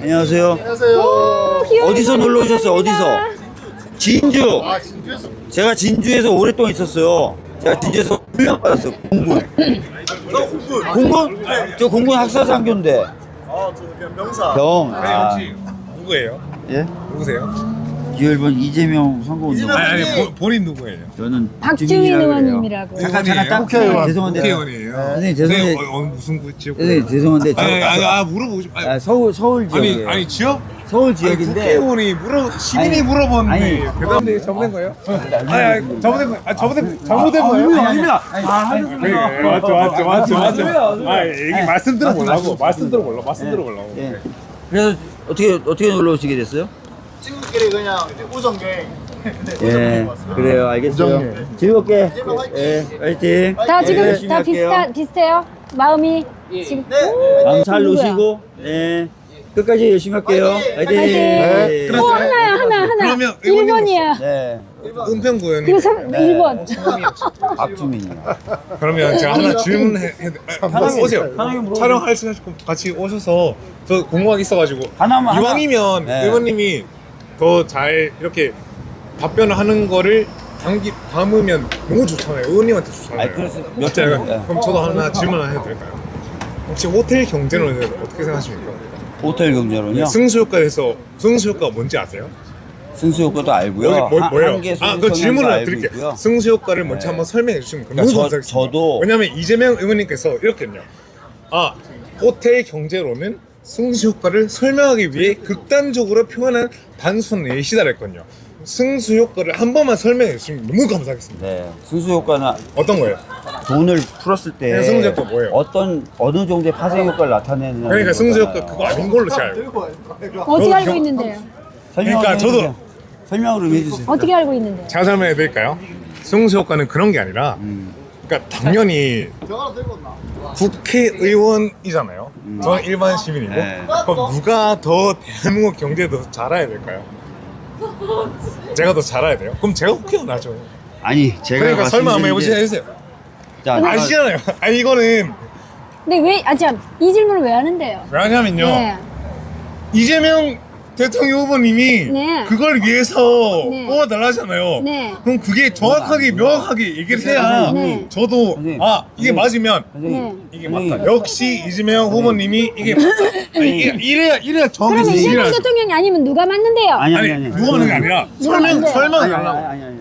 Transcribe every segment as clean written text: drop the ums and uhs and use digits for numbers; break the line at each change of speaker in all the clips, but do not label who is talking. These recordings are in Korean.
안녕하세요.
안녕하세요.
어디서 놀러 오셨어요? 어디서? 진주.
아, 진주에서.
제가 진주에서 오랫동안 있었어요. 제가 진주에서 훈련 받았어요. 공군. 공군? 저 공군 학사장교인데.
저 그냥 명사.
병. 아,
누구예요?
예?
누구세요?
기열번 이재명 선거운동.
아니 본인 누구예요?
저는
박주민 의원님이라고.
잠깐 딱
국회의원.
죄송한데.
국회의원이에요.
선생님 죄송한데.
무슨 구지역?
선생님 죄송한데.
물어보고 싶.
서울 지역이에요.
아니 지역?
서울 지역인데.
국회의원이 시민이 물어봤는데
아니.
대답인데 잘못된 거예요? 아니 잘못된 거. 잘못된 거예요?
아닙니다.
맞죠. 아 얘기 말씀 들어보려고. 말씀 들어보려고.
예. 그래서 어떻게 놀러 오시게 됐어요?
친구끼리 그냥 우정갱.
예, 그래요. 알겠어요.
우정님.
즐겁게. 예, 화이팅.
다
예,
지금
열심히
다
할게요.
비슷해요? 마음이 지금
마음 잘
누구야?
놓으시고, 예, 끝까지 열심히 할게요. 화이팅.
화이팅.
예.
어 하나.
그러면
1번이야.
네,
은평구는
그리고 1번.
박주민이요.
그러면 제가 하나 질문해. 한번 오세요.
편하게 물어보세요.
촬영할 수 있고 같이 오셔서 저 궁금한 게 있어가지고
하나만,
이왕이면
네.
의원님이 더 잘 이렇게 답변을 하는 거를 담으면 너무 좋잖아요. 의원님한테 좋잖아요.
아니, 그래서 몇
진짜요?
번, 네.
그럼 저도 하나 질문 하나 해도 될까요? 혹시 호텔 경제론에 어떻게 생각하십니까?
호텔 경제론이요?
승수효과에서 승수효과가 뭔지 아세요?
승수효과도 알고요.
뭐예요?
한계
그 질문을
알고
드릴게요.
있고요.
승수효과를 먼저
네.
한번 설명해 주시면
그러니까
너무 감사하겠습니다.
저도
왜냐면 이재명 의원님께서 이렇게요. 호텔 경제론은 승수효과를 설명하기 위해 극단적으로 표현한 단순 예시다랬거든요. 승수효과를 한 번만 설명해 주시면 너무 감사하겠습니다.
네, 승수효과는
어떤 거예요?
돈을 풀었을 때
네, 승수효과 뭐예요?
어느 정도의 파생 효과를 나타내는
그러니까 승수효과
거잖아요.
그거 아닌 걸로 제가 알고.
어떻게 알고
경-
있는데요?
설명을
그러니까
좀
저도-
해주세요. 설명을 좀 해주세요.
어떻게 알고 있는데요?
제가 설명해 드릴까요? 승수효과는 그런 게 아니라 그러니까 당연히
저거는 들고 온나?
국회의원이잖아요. 저는 일반 시민이고
네.
그럼 누가 더 대한민국 경제에 더 잘 알아야 될까요? 제가 더 잘 알아야 돼요? 그럼 제가 국회의원 하죠.
아니 제가
그러니까 설명 한번
말씀드린 게-
해주세요.
자,
아시잖아요. 아니 이거는
근데 왜 이 질문을 왜 하는데요?
왜냐면요.
네.
이재명 대통령 후보님이
네.
그걸 위해서
네.
뽑아달라잖아요.
네.
그럼 그게 정확하게 명확하게 얘기를 해야
네.
저도
선생님.
이게 맞으면
선생님,
이게
선생님,
맞다. 역시 이재명 후보님이 이게 맞다. 아니, 이래야 정확히
그러면
얘기를
이재명
하죠.
대통령이 아니면 누가 맞는데요?
아니 누가 하는 게 아니라
누가 하는데?
설명하려고.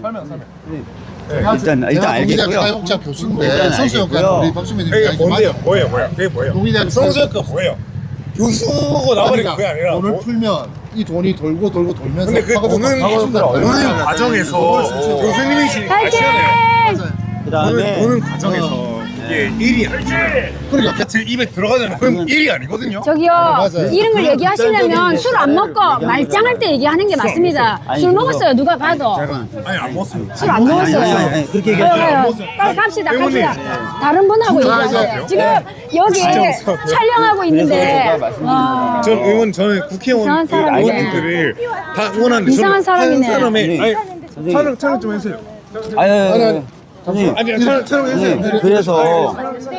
일단 알겠고요.
사회복지학 교수인데
일단
성수효과
알겠고요.
우리 박수민
그게
의원님
뭐예요? 그게 뭐예요?
동의대학
성수효과 뭐예요? 교수고 나발이가 그게 아니라
돈을
뭐-
풀면 이 돈이 돌고 돌면서
근데 그 돈은 과정에서 교수님이시니까
파이팅!
아시잖아요.
그다음에
돈은 과정에서 이게 일이 아니잖아요. 그러니까 제 입에 들어가잖아요. 그럼 일이 아니거든요.
저기요,
맞아요.
이런 걸 얘기하시려면 술 안 먹고
얘기하는
말짱할 때 얘기하는 게 맞습니다.
아니,
술
그거-
먹었어요, 누가 봐도.
아니 안 먹었어요.
술 안 먹었어요.
아니, 그렇게
가요,
얘기하지
가요.
먹었어요.
빨리 갑시다.
때문에.
다른 분하고
진짜
얘기하세요.
먹었어요?
지금 여기
진짜 먹었어요.
촬영하고 있는데.
제가 말씀드린
와.
저는 국회의원
이상한 사람이네.
의원님들을 다 응원하는데
이상한
저는
사람이네.
한 사람의 아니
선생님.
촬영 좀 해주세요.
아니, 선생님,
아니 촬영 해주세요.
선생님, 그래서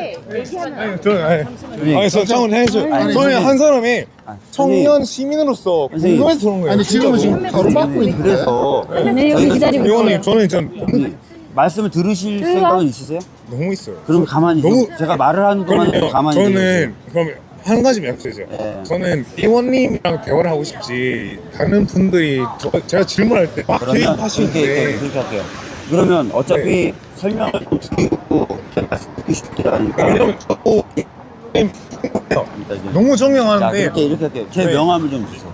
아니 저 촬영 해주세요. 저는 한 사람의 청년 시민으로서
선생님.
궁금해서 그런 거예요.
아니 지금은 지금 바로 받고 있는데
그래서
네, 여기 기다리고
의원님
있어요.
저는 좀
선생님, 말씀을 들으실 생각은 있으세요?
너무 있어요.
그럼 가만히
너무-
제가 말을 하는 동안
그러면
가만히 계세요.
저는 그러면 한 가지 약속해주세요.
네.
저는 의원님이랑 대화를 하고 싶지 다른 분들이 제가 질문할 때막
그러면
개입하시는데
그렇게 할게요. 그러면 어차피 설명을 좀 드리고 제가 말씀 듣기 쉽게 하니까
왜냐면 저도 너무
자,
정명하는데
이렇게 할게요. 제
네.
명함을 좀 주세요.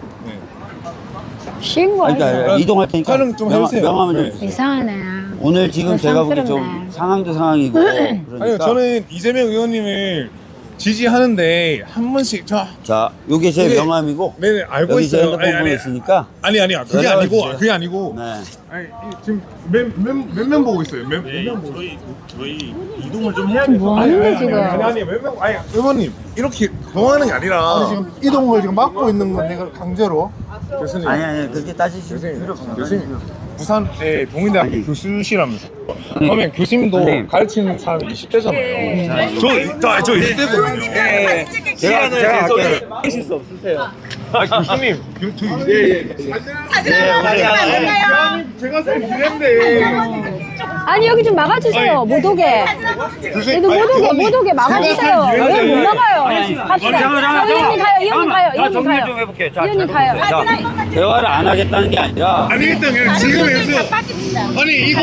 쉰
아니,
거야.
그러니까 이동할 테니까
촬영 좀 해주세요.
명함을 좀
네.
주세요.
이상하네.
오늘 지금 제가 보기 좀
상스럽네.
상황도 상황이고 그러니까
아니요 저는 이재명 의원님을 지지하는데 한 번씩
자, 요게 제
이게-
명함이고
네네 알고
여기 제
있어요.
핸드폰 번호 있으니까
아니야 그게
연락을
아니고
주세요.
그게 아니고
네.
아니 지금 몇명 보고 있어요. 몇명 보고
저희 이동을 좀 해야 돼요.
뭐 하는데 지금?
아니 몇명 아니 의원님 이렇게 동하는 게 아니라
아니 지금 이동을 지금 막고 있는 건 내가 강제로
교수님
아니 그렇게 따지실 필요
교수님
없어요.
교수님 부산의 동인대학교
아니.
교수시라면서 그러면 교수님도
아니.
가르치는 사람이 20대잖아요. 저 20대거든요.
제가 할게요.
교수님. 제가 살 이랬는데.
아니 여기 좀 막아주세요. 못 오게.
교수님.
얘도 못 오게 막아주세요. 왜 못 나가요? 갑시다.
잠깐만.
의원님 가요. 의원님 가요.
자,
의원님
정리
가요.
좀 해볼게요. 자,
의원님 가요.
자, 대화를 안 하겠다는 게 아니라.
아니 일단 그냥 지금에서 아니 이거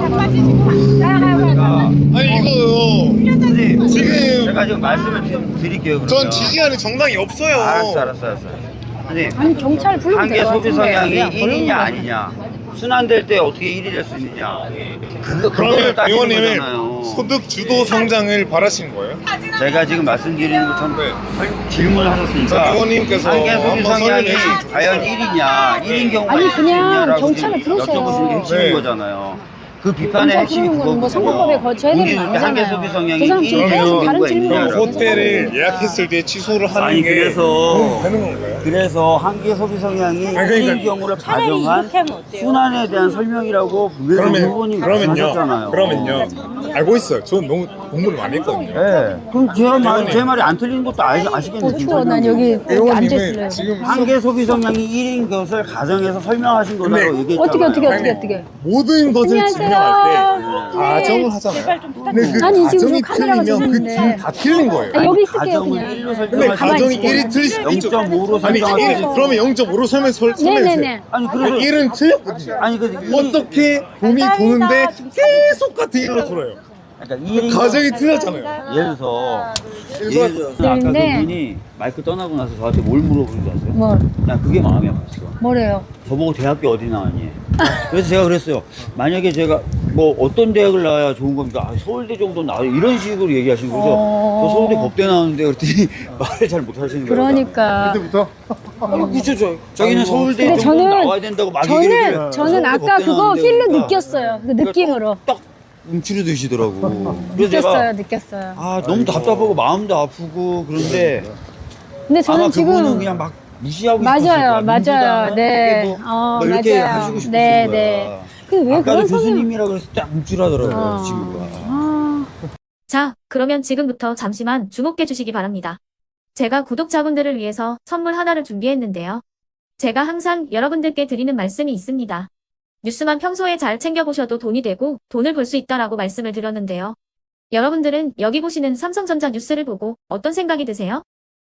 아니 이거
선생님,
지금
제가 지금 말씀을 좀 드릴게요. 그러면.
전 지지하는 정당이 없어요.
알았어. 선생님,
아니 경찰 부르면
한계
될것
소비
같은데.
성향이
그냥
1이냐
걸어오는
아니냐. 순환될 때 어떻게 1이 될 수 있느냐. 그거를
그러면
따지는
의원님은
거잖아요.
소득 주도 성장을 바라시는 거예요?
제가 지금 말씀드리는 것처럼
네.
질문을 하셨으니까
자, 의원님께서
한계 소비
한번
성향이
설명해 주시죠.
과연 1이냐 1인 경우가
아니,
있을 수
그냥
있냐라고
경찰을
지금
부르세요.
여쭤보시는 게 핵심인
네.
거잖아요. 그 비판의
경찰
핵심이
부르는 거는 뭐
그거고요.
선거법에 거쳐야 되는 거
우리 한계
아니잖아요.
소비 성향이
그 사람 지금
1인
계속 다른
경우가
질문을
있냐라고.
하고
호텔을 예약했을 때 취소를 하는
아니,
게
그래서
되는 건가요?
그래서 한계 소비 성향이
아니, 그러니까
1인 경우를 가정한 순환에 대한 설명이라고 분명히 후보님 말씀하셨잖아요.
그러면요. 알고 있어요. 저는 너무 공부를 많이 했거든요.
네. 그럼 제 말이 안 틀린 것도 아시겠네요.
추워. 난 여기 앉아있을래요.
지금
한계 소비 성향이 1인 것을 가정해서 설명하신 거라고
근데
얘기했잖아요.
어떻게.
모든 것을
안녕하세요.
증명할 때 가정을 하잖아요. 근데 그
아니, 지금
가정이
저 카메라가
틀리면 그
들리는데.
팀 다 틀린 거예요.
아, 여기 있을게요
가정을
그냥.
1로
근데
설정하시는
가정이
있어요.
1이 틀릴 수도 있죠.
0.5로
아니
설정하시는
그러면 0.5로 설명해주세요.
네네네.
아니 그래서
1은 틀렸거든요.
아니 그
어떻게 돈이 도는데 계속 같은 1로 돌아요.
그러니까 1인
가정이 틀렸잖아요.
예를 들어서 아까
네.
그분이 마이크 떠나고 나서 저한테 뭘 물어보는 줄 아세요?
뭐
난 그게 마음이 아팠어.
뭐래요?
저보고 대학교 어디 나왔니? 그래서 제가 그랬어요. 만약에 제가 뭐 어떤 대학을 나와야 좋은 겁니까? 아, 서울대 정도 나와 이런 식으로 얘기하시는 거죠. 저 서울대 법대 나왔는데 그랬더니 말을 잘 못하시는 거예요.
그러니까.
그때부터
그렇죠. 자기는 서울대
근데
정도
저는
나와야 된다고 막 얘기를 해요.
저는
서울대
아까
법대
그거
나왔는데
필로
그러니까
느꼈어요. 그 느낌으로
딱 움츠러드시더라고. 그래서 제가
느꼈어요.
아 너무 답답하고 마음도 아프고 그런데
근데 저는
아마 그분은
지금
그냥 막 무시하고
맞아요,
싶었을 거야.
맞아요. 네.
민주당 뭐 이렇게
맞아요.
하시고 싶었을
네,
거야.
네. 근데 왜
아까도
그런 성향?
교수님이라고 해서 딱 움찔하더라고요
어.
친구가.
자, 그러면 지금부터 잠시만 주목해 주시기 바랍니다. 제가 구독자분들을 위해서 선물 하나를 준비했는데요. 제가 항상 여러분들께 드리는 말씀이 있습니다. 뉴스만 평소에 잘 챙겨보셔도 돈이 되고 돈을 벌 수 있다라고 말씀을 드렸는데요. 여러분들은 여기 보시는 삼성전자 뉴스를 보고 어떤 생각이 드세요?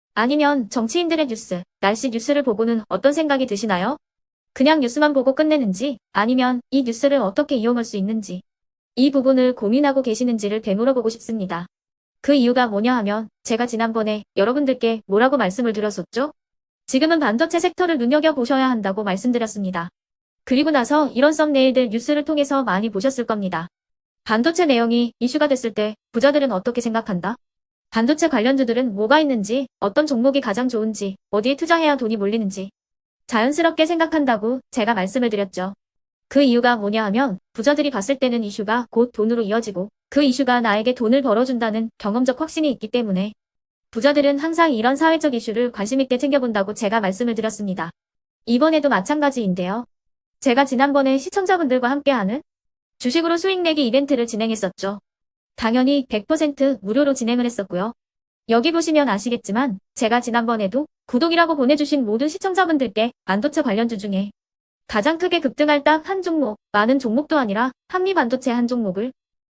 아니면 정치인들의 뉴스, 날씨 뉴스를 보고는 어떤 생각이 드시나요? 그냥 뉴스만 보고 끝내는지 아니면 이 뉴스를 어떻게 이용할 수 있는지 이 부분을 고민하고 계시는지를 되물어보고 싶습니다. 그 이유가 뭐냐 하면 제가 지난번에 여러분들께 뭐라고 말씀을 드렸었죠? 지금은 반도체 섹터를 눈여겨보셔야 한다고 말씀드렸습니다. 그리고 나서 이런 썸네일들 뉴스를 통해서 많이 보셨을 겁니다. 반도체 내용이 이슈가 됐을 때 부자들은 어떻게 생각한다? 반도체 관련주들은 뭐가 있는지, 어떤 종목이 가장 좋은지, 어디에 투자해야 돈이 몰리는지 자연스럽게 생각한다고 제가 말씀을 드렸죠. 그 이유가 뭐냐 하면 부자들이 봤을 때는 이슈가 곧 돈으로 이어지고 그 이슈가 나에게 돈을 벌어준다는 경험적 확신이 있기 때문에 부자들은 항상 이런 사회적 이슈를 관심있게 챙겨본다고 제가 말씀을 드렸습니다. 이번에도 마찬가지인데요. 제가 지난번에 시청자분들과 함께하는 주식으로 수익 내기 이벤트를 진행했었죠. 당연히 100% 무료로 진행을 했었고요. 여기 보시면 아시겠지만 제가 지난번에도 구독이라고 보내주신 모든 시청자분들께 반도체 관련주 중에 가장 크게 급등할 딱 한 종목, 많은 종목도 아니라 한미반도체 한 종목을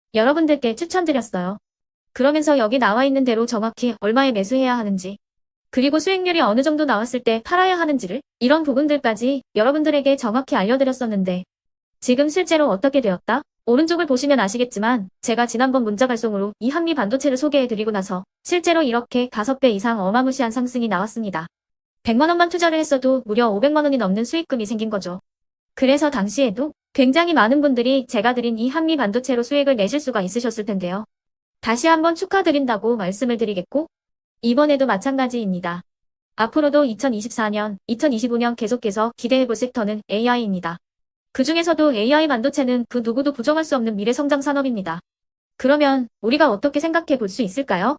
여러분들께 추천드렸어요. 그러면서 여기 나와 있는 대로 정확히 얼마에 매수해야 하는지, 그리고 수익률이 어느 정도 나왔을 때 팔아야 하는지를 이런 부분들까지 여러분들에게 정확히 알려드렸었는데 지금 실제로 어떻게 되었다? 오른쪽을 보시면 아시겠지만 제가 지난번 문자 발송으로 이 한미반도체를 소개해드리고 나서 실제로 이렇게 5배 이상 어마무시한 상승이 나왔습니다. 100만 원만 투자를 했어도 무려 500만 원이 넘는 수익금이 생긴 거죠. 그래서 당시에도 굉장히 많은 분들이 제가 드린 이 한미반도체로 수익을 내실 수가 있으셨을 텐데요. 다시 한번 축하드린다고 말씀을 드리겠고 이번에도 마찬가지입니다. 앞으로도 2024년, 2025년 계속해서 기대해볼 섹터는 AI입니다. 그 중에서도 AI 반도체는 그 누구도 부정할 수 없는 미래 성장 산업입니다. 그러면 우리가 어떻게 생각해 볼 수 있을까요?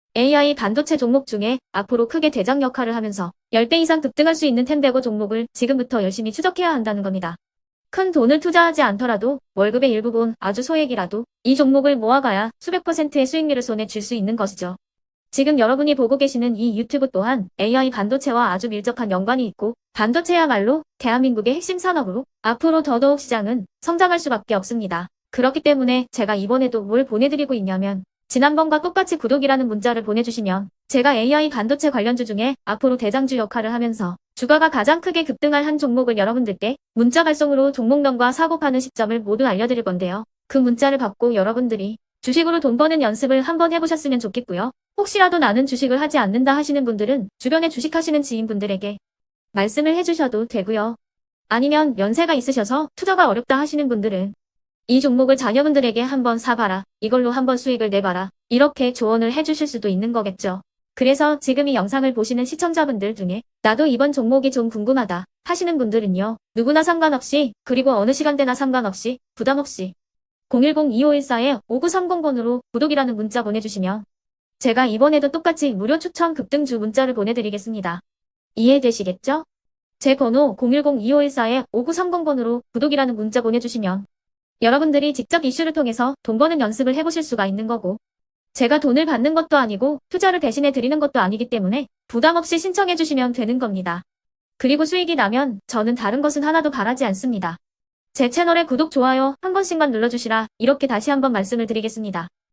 AI 반도체 종목 중에 앞으로 크게 대장 역할을 하면서 10배 이상 급등할 수 있는 템베고 종목을 지금부터 열심히 추적해야 한다는 겁니다. 큰 돈을 투자하지 않더라도 월급의 일부분 아주 소액이라도 이 종목을 모아가야 수백 %의 수익률을 손에 쥘 수 있는 것이죠. 지금 여러분이 보고 계시는 이 유튜브 또한 AI 반도체와 아주 밀접한 연관이 있고 반도체야말로 대한민국의 핵심 산업으로 앞으로 더더욱 시장은 성장할 수밖에 없습니다. 그렇기 때문에 제가 이번에도 뭘 보내드리고 있냐면 지난번과 똑같이 구독이라는 문자를 보내주시면 제가 AI 반도체 관련주 중에 앞으로 대장주 역할을 하면서 주가가 가장 크게 급등할 한 종목을 여러분들께 문자 발송으로 종목명과 사고 파는 시점을 모두 알려드릴 건데요. 그 문자를 받고 여러분들이 주식으로 돈 버는 연습을 한번 해보셨으면 좋겠고요. 혹시라도 나는 주식을 하지 않는다 하시는 분들은 주변에 주식하시는 지인분들에게 말씀을 해주셔도 되고요. 아니면 연세가 있으셔서 투자가 어렵다 하시는 분들은 이 종목을 자녀분들에게 한번 사봐라. 이걸로 한번 수익을 내봐라. 이렇게 조언을 해주실 수도 있는 거겠죠. 그래서 지금 이 영상을 보시는 시청자분들 중에 나도 이번 종목이 좀 궁금하다 하시는 분들은요. 누구나 상관없이 그리고 어느 시간대나 상관없이 부담 없이 010-2514-5930번으로 구독이라는 문자 보내주시면 제가 이번에도 똑같이 무료 추천 급등주 문자를 보내드리겠습니다. 이해되시겠죠? 제 번호 010-2514-5930번으로 구독이라는 문자 보내주시면 여러분들이 직접 이슈를 통해서 돈 버는 연습을 해보실 수가 있는 거고 제가 돈을 받는 것도 아니고 투자를 대신해 드리는 것도 아니기 때문에 부담 없이 신청해 주시면 되는 겁니다. 그리고 수익이 나면 저는 다른 것은 하나도 바라지 않습니다. 제 채널에 구독, 좋아요 한 번씩만 눌러주시라 이렇게 다시 한번 말씀을 드리겠습니다.